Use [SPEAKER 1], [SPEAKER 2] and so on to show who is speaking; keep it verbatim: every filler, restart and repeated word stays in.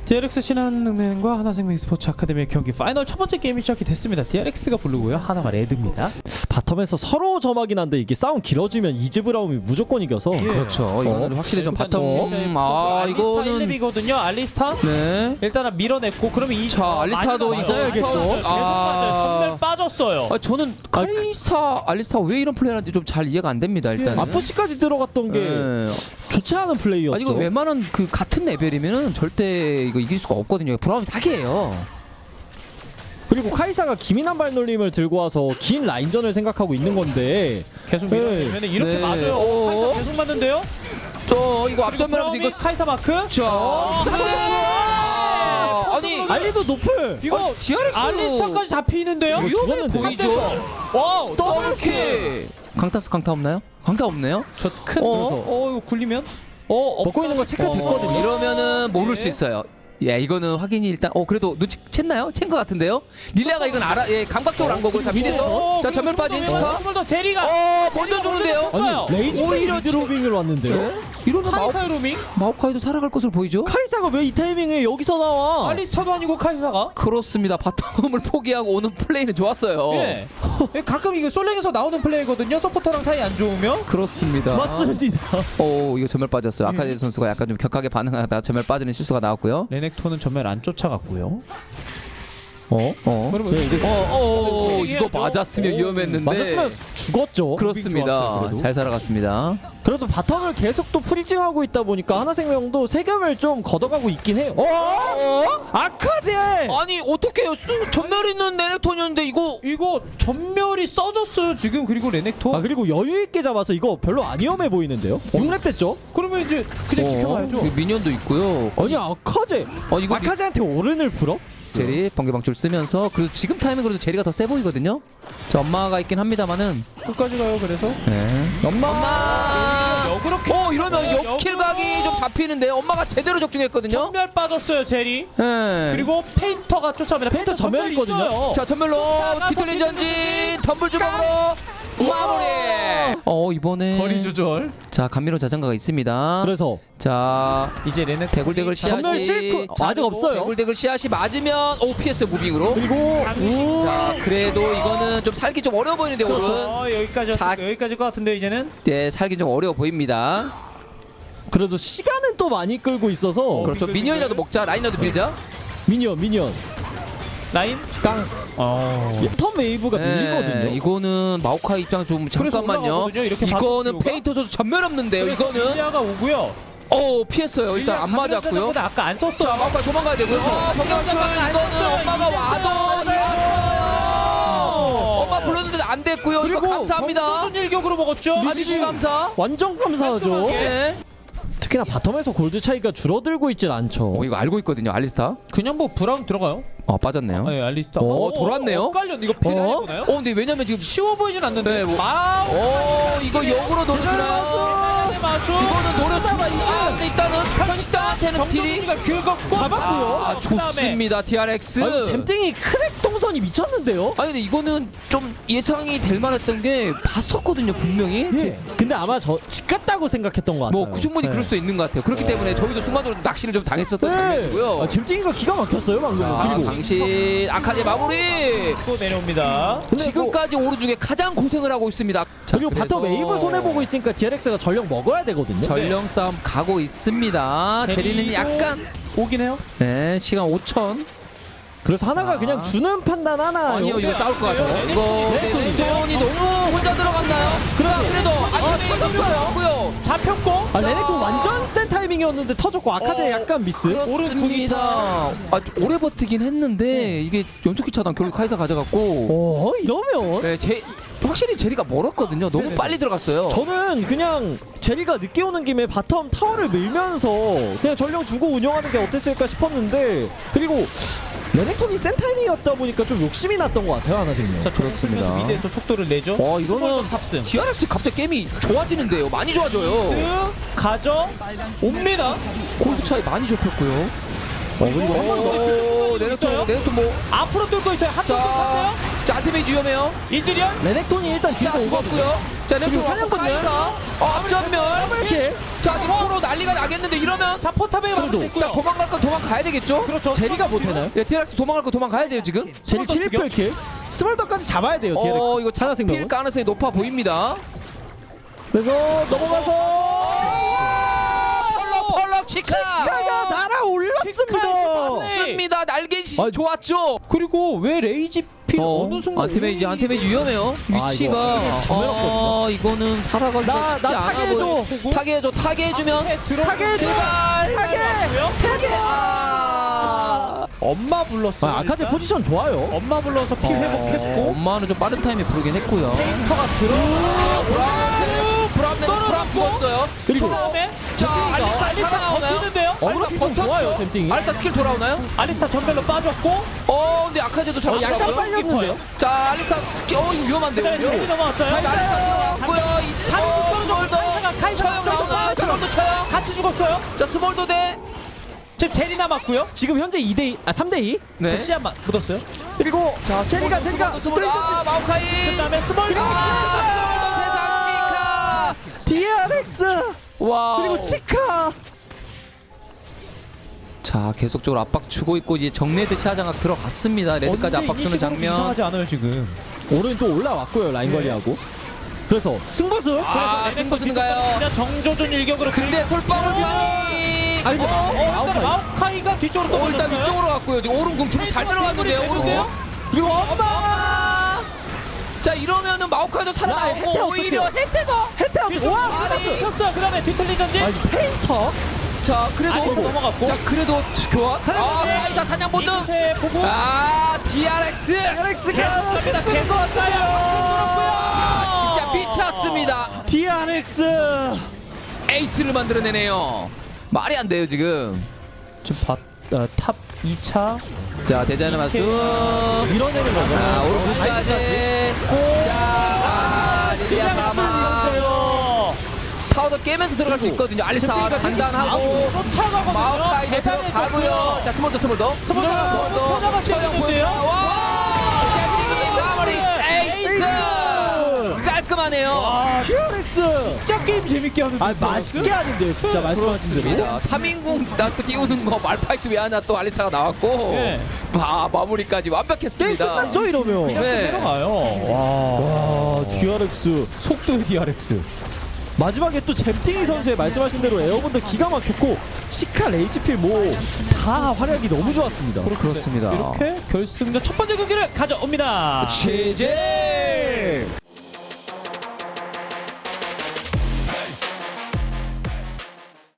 [SPEAKER 1] 디알엑스 신한은행과 하나생명 스포츠 아카데미의 경기 파이널 첫 번째 게임이 시작이 됐습니다. 디알엑스가 블루고요. 하나가 레드입니다.
[SPEAKER 2] 바텀에서 서로 점하긴 한데 이게 싸움 길어지면 이즈브라움이 무조건 이겨서
[SPEAKER 1] 예.
[SPEAKER 3] 그렇죠. 이거는
[SPEAKER 2] 어?
[SPEAKER 3] 확실히 좀
[SPEAKER 1] 일단
[SPEAKER 3] 바텀.
[SPEAKER 1] 어,
[SPEAKER 3] 음, 아
[SPEAKER 1] 알리스타
[SPEAKER 3] 이거는
[SPEAKER 1] 일 렙이거든요. 알리스타
[SPEAKER 3] 네.
[SPEAKER 1] 일단은 밀어냈고 그러면 이
[SPEAKER 3] 자, 알리스타도
[SPEAKER 1] 많이
[SPEAKER 3] 이거
[SPEAKER 1] 맞아야겠죠.
[SPEAKER 3] 맞아요.
[SPEAKER 1] 계속
[SPEAKER 3] 아.
[SPEAKER 1] 맞아요. 전멸 빠졌어요.
[SPEAKER 3] 아, 저는 카리스타, 알리스타 왜 이런 플레이하는지 좀 잘 이해가 안 됩니다. 일단.
[SPEAKER 2] 아프시까지 들어갔던 게
[SPEAKER 3] 네.
[SPEAKER 2] 좋지 않은 플레이였죠.
[SPEAKER 3] 아니 이거 웬만한 그 같은 레벨이면은 절대 이거 이길 수가 없거든요. 브라움이 사기예요.
[SPEAKER 2] 그리고 카이사가 기민한 발놀림을 들고 와서 긴 라인전을 생각하고 있는 건데
[SPEAKER 1] 계속
[SPEAKER 2] 네.
[SPEAKER 1] 밀어내면 이렇게
[SPEAKER 3] 네.
[SPEAKER 1] 맞아요.
[SPEAKER 3] 어.
[SPEAKER 1] 카이사 계속 맞는데요.
[SPEAKER 3] 저 이거 앞전면하면서 이거
[SPEAKER 1] 카이사 마크.
[SPEAKER 3] 자. 네. 아니
[SPEAKER 2] 알리도 노플!
[SPEAKER 1] 이거
[SPEAKER 3] 디알엑스
[SPEAKER 1] 알리스타까지 잡히는데요.
[SPEAKER 2] 이거
[SPEAKER 3] 위험해
[SPEAKER 2] 죽었는데.
[SPEAKER 3] 보이죠?
[SPEAKER 1] 와우
[SPEAKER 3] 더블킬. 강타스 강타 없나요? 강타 없네요?
[SPEAKER 1] 저큰
[SPEAKER 3] 어?
[SPEAKER 1] 어 이거 굴리면 어
[SPEAKER 2] 먹고 있는 거 체크됐거든요.
[SPEAKER 3] 어, 이러면은 모를
[SPEAKER 1] 네.
[SPEAKER 3] 수 있어요. 예, 이거는 확인이 일단 어 그래도 눈치챘나요? 챈 것 같은데요? 릴리아가 이건 알아 예 감각적으로 안 거고 자 미드에서 자 전면 빠진 치카
[SPEAKER 1] 한번 더 제리가
[SPEAKER 3] 어 먼저 주는데요?
[SPEAKER 2] 아니 레이지가
[SPEAKER 3] 오히려
[SPEAKER 2] 미드로빙을 왔는데요.
[SPEAKER 3] 네? 이러면 마오,
[SPEAKER 1] 카이사 로밍
[SPEAKER 3] 마오카이도 살아갈 것으로 보이죠?
[SPEAKER 2] 카이사가 왜 이 타이밍에 여기서 나와?
[SPEAKER 1] 알리스타도 아니고 카이사가
[SPEAKER 3] 그렇습니다. 바텀을 포기하고 오는 플레이는 좋았어요.
[SPEAKER 1] 예 가끔 이거 솔랭에서 나오는 플레이거든요. 서포터랑 사이 안 좋으면
[SPEAKER 3] 그렇습니다.
[SPEAKER 2] 맞습니다.
[SPEAKER 3] 오 이거 전멸 빠졌어요. 아카디 선수가 약간 좀 격하게 반응하다 전멸 빠지는 실수가 나왔고요.
[SPEAKER 1] 레넥톤은 전멸 안 쫓아갔고요.
[SPEAKER 3] 어? 어?
[SPEAKER 1] 그러면
[SPEAKER 2] 네, 이제
[SPEAKER 3] 어, 어, 이거
[SPEAKER 1] 얘기해야죠.
[SPEAKER 3] 맞았으면
[SPEAKER 1] 오,
[SPEAKER 3] 위험했는데
[SPEAKER 2] 맞았으면 죽었죠.
[SPEAKER 3] 그렇습니다.
[SPEAKER 2] 좋았어요, 그래도.
[SPEAKER 3] 잘 살아갔습니다.
[SPEAKER 2] 그래도 바텀을 계속 또 프리징하고 있다 보니까 하나생명도 세금을 좀 걷어가고 있긴 해요. 어? 아카제!
[SPEAKER 3] 아니 어떻게 전멸 있는 레넥톤이었는데 이거
[SPEAKER 1] 이거 전멸이 써졌어요 지금. 그리고 레넥톤
[SPEAKER 2] 아 그리고 여유 있게 잡아서 이거 별로 안 위험해 보이는데요? 육 렙 됐죠?
[SPEAKER 1] 그러면 이제 그냥 지켜봐야죠.
[SPEAKER 3] 그 미니언도 있고요.
[SPEAKER 2] 아니 아카제!
[SPEAKER 3] 어 이거 미-
[SPEAKER 2] 아카제한테 오른을 풀어?
[SPEAKER 3] 제리 번개 방출 쓰면서 그리고 지금 타이밍으로도 제리가 더 세 보이거든요. 저 엄마가 있긴 합니다만은
[SPEAKER 1] 끝까지 가요. 그래서
[SPEAKER 3] 네.
[SPEAKER 2] 엄마!
[SPEAKER 3] 엄마.
[SPEAKER 1] 역으로
[SPEAKER 3] 어 이러면
[SPEAKER 1] 역으로.
[SPEAKER 3] 역킬 각이 좀 잡히는데 엄마가 제대로 적중했거든요.
[SPEAKER 1] 전멸 빠졌어요 제리.
[SPEAKER 3] 네.
[SPEAKER 1] 그리고 페인터가 쫓아옵니다. 페인터 전멸
[SPEAKER 2] 전멸이거든요.
[SPEAKER 1] 있어요.
[SPEAKER 3] 자 전멸로
[SPEAKER 1] 쫓아가서
[SPEAKER 3] 뒤틀린 전진 덤블 주먹으로 마무리. 어 이번에
[SPEAKER 1] 거리 조절.
[SPEAKER 3] 자 감미로운 자장가가 있습니다.
[SPEAKER 2] 그래서
[SPEAKER 3] 자
[SPEAKER 1] 이제 레넥
[SPEAKER 3] 대굴대굴 씨앗이
[SPEAKER 2] 전멸 실크
[SPEAKER 3] 자,
[SPEAKER 2] 아직 없어요.
[SPEAKER 3] 대굴대굴 씨앗이 맞으면 오 피에스 무빙으로.
[SPEAKER 2] 그리고 우
[SPEAKER 3] 자 그래도 이거는 좀 살기 좀 어려워 보이는데 오른.
[SPEAKER 1] 어, 여기까지
[SPEAKER 3] 자.
[SPEAKER 1] 여기까지일 것 같은데 이제는
[SPEAKER 3] 네 살기 좀 어려워 보입니다.
[SPEAKER 2] 그래도 시간은 또 많이 끌고 있어서
[SPEAKER 3] 그렇죠.
[SPEAKER 1] 빙글,
[SPEAKER 3] 미니언이라도
[SPEAKER 1] 빙글.
[SPEAKER 3] 먹자. 라인이라도 밀자.
[SPEAKER 2] 미니언 미니언
[SPEAKER 1] 라인
[SPEAKER 2] 깡
[SPEAKER 1] 어.
[SPEAKER 2] 턴 웨이브가 밀리거든요.
[SPEAKER 3] 네, 이거는 마오카이 입장 좀 잠깐만요.
[SPEAKER 1] 올라가거든요, 이렇게
[SPEAKER 3] 이거는
[SPEAKER 1] 바꿔
[SPEAKER 3] 페인터 선수 전멸 없는데요. 이거는
[SPEAKER 1] 릴리아가 오고요.
[SPEAKER 3] 어 피했어요. 일단 안
[SPEAKER 1] 릴리아
[SPEAKER 3] 맞았고요.
[SPEAKER 1] 가면서 아까 안 썼어요.
[SPEAKER 3] 자 마오카이 도망가야 되고요. 어 번개 맞춤 이거는 엄마가 와도 좋았어요. 엄마 불렀는데 안 됐고요. 이거
[SPEAKER 2] 그리고
[SPEAKER 3] 감사합니다.
[SPEAKER 1] 정도전 일격으로 먹었죠.
[SPEAKER 3] 미지 감사.
[SPEAKER 2] 완전 감사하죠.
[SPEAKER 1] 깔끔하게.
[SPEAKER 3] 네.
[SPEAKER 2] 특히나 바텀에서 골드 차이가 줄어들고 있진 않죠.
[SPEAKER 3] 어 이거 알고 있거든요. 알리스타.
[SPEAKER 1] 그냥 뭐 브라운 들어가요.
[SPEAKER 3] 어 빠졌네요.
[SPEAKER 1] 네, 알리스타.
[SPEAKER 3] 어, 돌았네요.
[SPEAKER 1] 엇갈렸네. 이거 패드
[SPEAKER 2] 어?
[SPEAKER 1] 보나요?
[SPEAKER 3] 어 근데 왜냐면 지금
[SPEAKER 1] 쉬워 보이진 않는데.
[SPEAKER 3] 네, 뭐-
[SPEAKER 1] 마우.
[SPEAKER 3] 어 이거 역으로 노려주나요?
[SPEAKER 1] 마수.
[SPEAKER 3] 이거는 노려주나? 아 근데 일단은 편식당한테는 딜이
[SPEAKER 1] 정동이가 긁었고
[SPEAKER 2] 잡았고요.
[SPEAKER 3] 아 좋습니다. 디알엑스.
[SPEAKER 2] 아니, 잼땡이 크랙 동선이 미쳤는데요.
[SPEAKER 3] 아니 근데 이거는 좀 예상이 될 만했던 게 봤었거든요 분명히.
[SPEAKER 2] 예. 근데 아마 저 집 같다고 생각했던 것 같아요.
[SPEAKER 3] 뭐 충분히
[SPEAKER 2] 네.
[SPEAKER 3] 그럴 수도 있는 것 같아요. 그렇기 때문에 저희도 순간적으로 낚시를 좀 당했었던
[SPEAKER 2] 네.
[SPEAKER 3] 장면이고요.
[SPEAKER 2] 아, 잼땡이가 기가 막혔어요 방금.
[SPEAKER 3] 아,
[SPEAKER 2] 그리고
[SPEAKER 3] 당신 아카데 마무리.
[SPEAKER 1] 또 내려옵니다.
[SPEAKER 2] 근데
[SPEAKER 3] 지금까지 오른 중에 가장 고생을 하고 있습니다. 자,
[SPEAKER 2] 그리고
[SPEAKER 3] 그래서
[SPEAKER 2] 바텀 웨이브 손해 보고 있으니까 디알엑스가 전력 먹어야 되거든요.
[SPEAKER 3] 전령 싸움 가고 있습니다. 제리는
[SPEAKER 1] 제리도
[SPEAKER 3] 약간
[SPEAKER 1] 오긴 해요.
[SPEAKER 3] 네 시간 오천.
[SPEAKER 2] 그래서 하나가
[SPEAKER 3] 아.
[SPEAKER 2] 그냥 주는 판단 하나.
[SPEAKER 3] 아니요 이거 싸울 것 같아요. 이거
[SPEAKER 1] 네, 네,
[SPEAKER 3] 레넥톤이 너무 혼자 들어갔나요? 자 그래도 안쪽에 터졌고요.
[SPEAKER 1] 잡혔고.
[SPEAKER 2] 아 레넥톤 완전 센 타이밍이었는데 터졌고 아카제
[SPEAKER 1] 어,
[SPEAKER 2] 약간 미스.
[SPEAKER 3] 그렇습니다. 아, 오래 버티긴 했는데 이게 연속기 차단 결국 카이사 가져갔고.
[SPEAKER 2] 어 이러면
[SPEAKER 3] 네, 제 확실히 제리가 멀었거든요. 너무 빨리 들어갔어요.
[SPEAKER 2] 저는 그냥 제리가 늦게 오는 김에 바텀 타워를 밀면서 그냥 전력 주고 운영하는 게 어땠을까 싶었는데 그리고 레넥톤이 센 타이밍이었다 보니까 좀 욕심이 났던 것 같아요 하나생명.
[SPEAKER 1] 자
[SPEAKER 3] 그렇습니다.
[SPEAKER 1] 그렇습니다. 미드에서 속도를 내죠.
[SPEAKER 3] 와, 이거는
[SPEAKER 1] 스몰더 탑승.
[SPEAKER 3] 디알엑스 갑자기 게임이 좋아지는데요. 많이 좋아져요.
[SPEAKER 1] 그 가져 옵니다.
[SPEAKER 3] 골드 차이 많이 좁혔고요.
[SPEAKER 2] 어 그리고
[SPEAKER 3] 오, 네넥톤, 네넥톤 뭐
[SPEAKER 1] 앞으로 뚫고 있어요. 한쪽
[SPEAKER 3] 자.
[SPEAKER 1] 뚫었어요.
[SPEAKER 3] 자 안테메이지 위험해요.
[SPEAKER 1] 이즈리언
[SPEAKER 2] 레넥톤이 일단
[SPEAKER 3] 자
[SPEAKER 2] 뒤에서 오거든요.
[SPEAKER 3] 죽었고요. 자
[SPEAKER 2] 그리고
[SPEAKER 3] 레토
[SPEAKER 2] 사냥꾼들.
[SPEAKER 3] 카이사. 어 앞전면.
[SPEAKER 2] 이렇게
[SPEAKER 3] 자 지금 서로 난리가 나겠는데 이러면
[SPEAKER 1] 자 포탑에
[SPEAKER 2] 그래도.
[SPEAKER 1] 맞았고요.
[SPEAKER 3] 자 도망갈 건 도망가야 되겠죠?
[SPEAKER 1] 그렇죠.
[SPEAKER 2] 제리가 못해나요?
[SPEAKER 3] 네 디알엑스 도망갈 거 도망가야 돼요 지금.
[SPEAKER 2] 제리
[SPEAKER 1] 스몰더
[SPEAKER 2] 트리플 킬. 스몰더까지 잡아야 돼요. 디알엑스.
[SPEAKER 3] 어 이거
[SPEAKER 2] 하나
[SPEAKER 3] 잡힐
[SPEAKER 2] 생명.
[SPEAKER 3] 가능성이 높아 보입니다.
[SPEAKER 2] 그래서 넘어가서
[SPEAKER 3] 펄럭 펄럭 치카.
[SPEAKER 2] 치카가 날아올랐습니다.
[SPEAKER 3] 습니다 날개시
[SPEAKER 2] 아니,
[SPEAKER 3] 좋았죠.
[SPEAKER 1] 그리고 왜 레이지필
[SPEAKER 3] 어,
[SPEAKER 1] 어, 느 순간
[SPEAKER 3] 안테메이지 안테메이지 위험해요.
[SPEAKER 2] 아,
[SPEAKER 3] 위치가
[SPEAKER 2] 이거 정해놨거든요.
[SPEAKER 3] 아, 이거는 살아가기가
[SPEAKER 2] 나-
[SPEAKER 3] 쉽지
[SPEAKER 2] 나
[SPEAKER 3] 않아
[SPEAKER 2] 타게 해줘.
[SPEAKER 3] 보여. 타게 해줘. 타게 해주면
[SPEAKER 2] 타게 해줘.
[SPEAKER 3] 제발
[SPEAKER 2] 타게.
[SPEAKER 3] 타게. 아.
[SPEAKER 1] 엄마 불렀어.
[SPEAKER 2] 아, 아카제 포지션 좋아요.
[SPEAKER 1] 엄마 불러서 피 회복했고
[SPEAKER 3] 엄마는 좀 빠른 타임에 부르긴 했고요.
[SPEAKER 1] 페인터가 들어.
[SPEAKER 3] 브라운네는 브라운네는 브라운 죽었어요.
[SPEAKER 2] 그리고
[SPEAKER 1] 다음에
[SPEAKER 3] 자 알리타 살아나오나요?
[SPEAKER 1] 버티는데요.
[SPEAKER 2] 어그로 좀 좋아요, 잼띵이.
[SPEAKER 3] 알리타 스킬 돌아오나요?
[SPEAKER 1] 알리타 전멸로 빠졌고
[SPEAKER 3] 어 근데 아카제도 잘
[SPEAKER 2] 어, 약간
[SPEAKER 3] 나왔고요.
[SPEAKER 2] 빨렸는데요.
[SPEAKER 3] 자 알리타 스킬 어 이거 위험한데요.
[SPEAKER 1] 그다음에
[SPEAKER 3] 이거?
[SPEAKER 1] 제리 넘어왔어요.
[SPEAKER 3] 자 알리타 들어왔고요. 이제
[SPEAKER 1] 자,
[SPEAKER 3] 어
[SPEAKER 1] 스몰더,
[SPEAKER 3] 스몰더
[SPEAKER 1] 카이사가,
[SPEAKER 3] 처형
[SPEAKER 1] 카이사가
[SPEAKER 3] 나오나요?
[SPEAKER 1] 카이사가
[SPEAKER 3] 스몰더 처형.
[SPEAKER 1] 같이 죽었어요.
[SPEAKER 3] 자 스몰더 대
[SPEAKER 1] 지금 제리 남았고요.
[SPEAKER 2] 지금 현재 이 대 이, 아 삼 대 이.
[SPEAKER 3] 네.
[SPEAKER 1] 자 시야만 묻었어요.
[SPEAKER 2] 그리고
[SPEAKER 3] 자
[SPEAKER 2] 제리가
[SPEAKER 3] 스몰더,
[SPEAKER 2] 제리가
[SPEAKER 3] 스몰더, 스몰더. 아 마오카이.
[SPEAKER 1] 그다음에 스몰.
[SPEAKER 3] 아 스몰더 세상 치카.
[SPEAKER 2] 디알엑스
[SPEAKER 3] 와
[SPEAKER 2] 그리고 치카.
[SPEAKER 3] 자 계속적으로 압박 주고 있고 이제 정레드 시야장악 들어갔습니다. 레드까지 압박 주는 장면.
[SPEAKER 1] 이상하지 않아요 지금.
[SPEAKER 2] 오른 또 올라왔고요 라인
[SPEAKER 1] 네.
[SPEAKER 2] 관리하고. 그래서 승부수.
[SPEAKER 3] 아 승부수인가요?
[SPEAKER 1] 그냥 정조준 일격으로.
[SPEAKER 3] 근데 솔방울 판이
[SPEAKER 2] 아니, 근데
[SPEAKER 3] 어?
[SPEAKER 1] 어, 일단 마오카이가 뒤쪽으로
[SPEAKER 3] 어, 일단
[SPEAKER 1] 떨어졌어요.
[SPEAKER 3] 위쪽으로 갔고요. 지금 오른 궁 잘 들어갔는데요. 오른 궁.
[SPEAKER 2] 그리고 엄마.
[SPEAKER 3] 엄마. 자 이러면은 마오카이도
[SPEAKER 2] 야, 혜태
[SPEAKER 3] 살아나오고 오히려
[SPEAKER 2] 어떡해요?
[SPEAKER 3] 혜태가.
[SPEAKER 2] 혜태 와.
[SPEAKER 3] 아니.
[SPEAKER 1] 켰어요. 그다음에 뒤틀리 전진.
[SPEAKER 2] 아니 페인터.
[SPEAKER 3] 자 그래도
[SPEAKER 1] 아이고, 넘어갔고.
[SPEAKER 3] 자 그래도 교환. 아
[SPEAKER 2] 사냥꾼.
[SPEAKER 3] 카이사 사냥 본능.
[SPEAKER 1] 이체 보고.
[SPEAKER 3] 아 디알엑스.
[SPEAKER 2] 디알엑스가
[SPEAKER 1] 계속합니다. 계속 왔어요.
[SPEAKER 3] 아 진짜 미쳤습니다.
[SPEAKER 2] 디알엑스.
[SPEAKER 3] 에이스를 만들어내네요. 말이 안 돼요 지금.
[SPEAKER 1] 지금 바, 어, 탑 이 차.
[SPEAKER 3] 자 대자는 말씀.
[SPEAKER 2] 밀어내는
[SPEAKER 3] 자
[SPEAKER 2] 거죠.
[SPEAKER 3] 오른쪽까지. 자 아, 릴리아 사마. 파우더 깨면서 들어갈 수 있거든요. 알리스타 단단하고
[SPEAKER 1] 쫓아가거든요.
[SPEAKER 3] 마오카이 네 들어가고요. 자 스몰더 스몰더
[SPEAKER 1] 스몰더
[SPEAKER 3] 스몰더 처형 보여요. 와 잼딩이 마무리 에이스 깔끔하네요.
[SPEAKER 1] 아,
[SPEAKER 2] 디알엑스.
[SPEAKER 1] 진짜 게임 재밌게 하는.
[SPEAKER 2] 아 맛있게 하는데요 진짜 말씀하신 대로.
[SPEAKER 3] 그렇습니다. 삼 인공 나트 띄우는 거 말파이트 왜 하나 또 알리스타가 나왔고
[SPEAKER 1] 네.
[SPEAKER 3] 마, 마무리까지
[SPEAKER 2] 게임
[SPEAKER 3] 완벽했습니다.
[SPEAKER 2] 끝났죠 이러면.
[SPEAKER 3] 네.
[SPEAKER 1] 들어가요. 와.
[SPEAKER 2] 와 디알엑스.
[SPEAKER 1] 속도의 디알엑스.
[SPEAKER 2] 마지막에 또 잼팅이 선수의 말씀하신 대로 에어본도 기가 막혔고 치카 레이지필 뭐 다 활약이 너무 좋았습니다.
[SPEAKER 3] 그렇습니다.
[SPEAKER 1] 이렇게 결승전 첫 번째 경기를 가져옵니다.
[SPEAKER 3] 취재